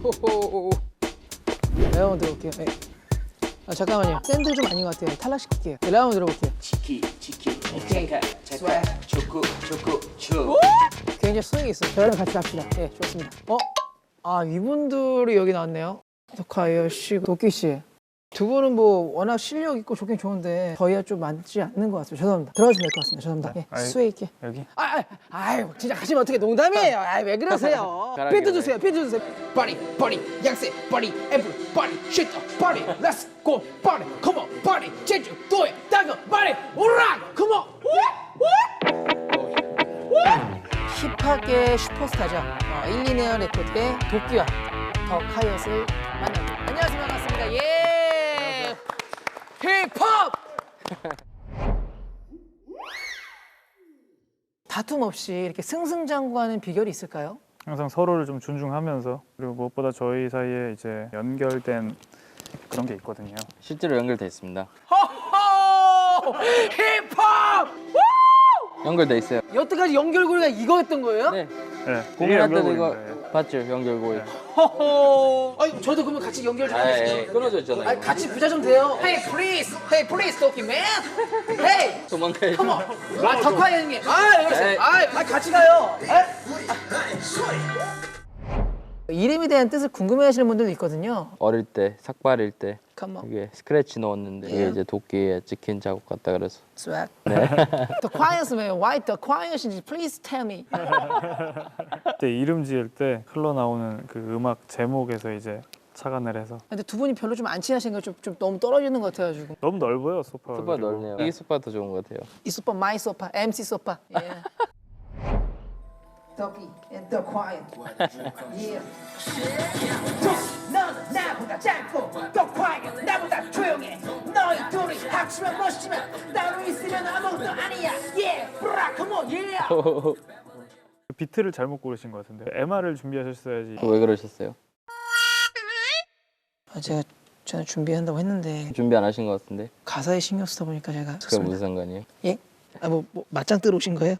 레온 들어볼게요. 네. 아, 잠깐만요. 샌드 좀 아닌 것 같아요. 탈락시킬게요. 네, 레온 들어볼게요. 치키 오케이. 잠깐 초코 초 굉장히 수익이 있어요. 저랑 같이 갑시다. 네, 좋습니다. 아, 이분들이 여기 나왔네요. 덕화예요 씨, 도끼 씨. 두 분은 뭐 워낙 실력 있고 좋긴 좋은데 저희와 좀 맞지 않는 것 같습니다. 죄송합니다. 들어가시면 될 것 같습니다. 죄송합니다. 예, 수혜 있게. 여기? 아유, 진짜 가시면 어떻게 농담이에요. 아이, 왜 그러세요? 비트 주세요. 비트 주세요. Party, party, 양세, party, every party, shit up, party, let's go, party, come on, party, 제주도에 다금, party, alright, come on, 힙합계 슈퍼스타죠. 1, 2네어 레코드의 도끼와 덕하이엇을 만납니다. 안녕하세요. 반갑습니다. 예. 힙합! 다툼 없이 이렇게 승승장구하는 비결이 있을까요? 항상 서로를 좀 존중하면서 그리고 무엇보다 저희 사이에 이제 연결된 그런 게 있거든요. 실제로 연결돼 있습니다. 호호! 힙합! 연결돼 있어요. 여태까지 연결고리가 이거였던 거예요? 네. 네, 공연할 이게 때도 이거 연결고리입니다. 봤죠? 연결고리. 호호! 아니, 저도 그러면 같이 연결 좀 해주세요. 끊어져 있잖아요. 아니, 같이 부자 좀 돼요. Hey, please, 도끼 man. Hey, 도망가야죠. come on. 아, 덕화 형님. 아, 여기 에이. 있어요. 아, 같이 가요. 이름에 대한 뜻을 궁금해하시는 분들도 있거든요. 어릴 때 삭발일 때 Come on, 이게 스크래치 넣었는데 이게 이제 도끼에 찍힌 자국 같다 그래서 swag. 덕화였으면 why 덕화였인지 please tell me. 그때 이름 지을 때 흘러나오는 그 음악 제목에서 이제 착안을 해서 근데 두 분이 별로 좀 안 친하신 거 좀 너무 떨어지는 것 같아가지고. 너무 넓어요 소파가. 소파 그리고. 넓네요. 이게 소파 더 좋은 것 같아요. 이 소파, 마이 소파, MC 소파. 예. 덕이 and the quiet. Yeah. 너는 나보다 짧고 더 quiet, 나보다 조용해. 너희 둘이 합치면 멋지지만 따로 있으면 아무것도 아니야. Yeah, bra, come on, yeah. 비트를 잘못 고르신 것 같은데 MR을 준비하셨어야지. 왜 그러셨어요? 제가 준비한다고 했는데 준비 안 하신 것 같은데. 가사에 신경 쓰다 보니까 제가 그게 무슨 상관이에요? 예? 뭐 맞짱 뜨러 오신 거예요?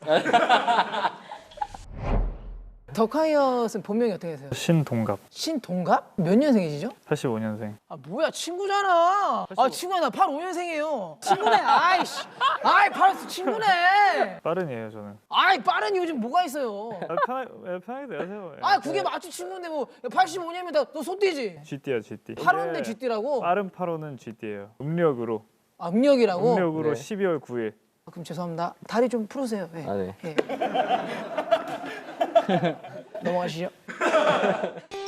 덕하이엇은 본명이 어떻게 되세요? 신동갑 신동갑? 몇 년생이시죠? 85년생. 아 뭐야 친구잖아. 아 친구야 나 85년생이에요. 친구네. 아이씨. 아이 바로 친구네. 빠른이에요 저는. 아이 빠른 이유 좀 뭐가 있어요? 편하게 대하세요. 아 그게 맞지 친구인데 뭐 85년이면 너 손띠지? GT야 GT. 8호인데 GT라고? 빠른 8호는 GT예요. 음력으로. 아 음력이라고? 음력으로 네. 12월 9일. 아, 그럼 죄송합니다. 다리 좀 풀으세요. 네. 아 네. 예. 넘어가시죠.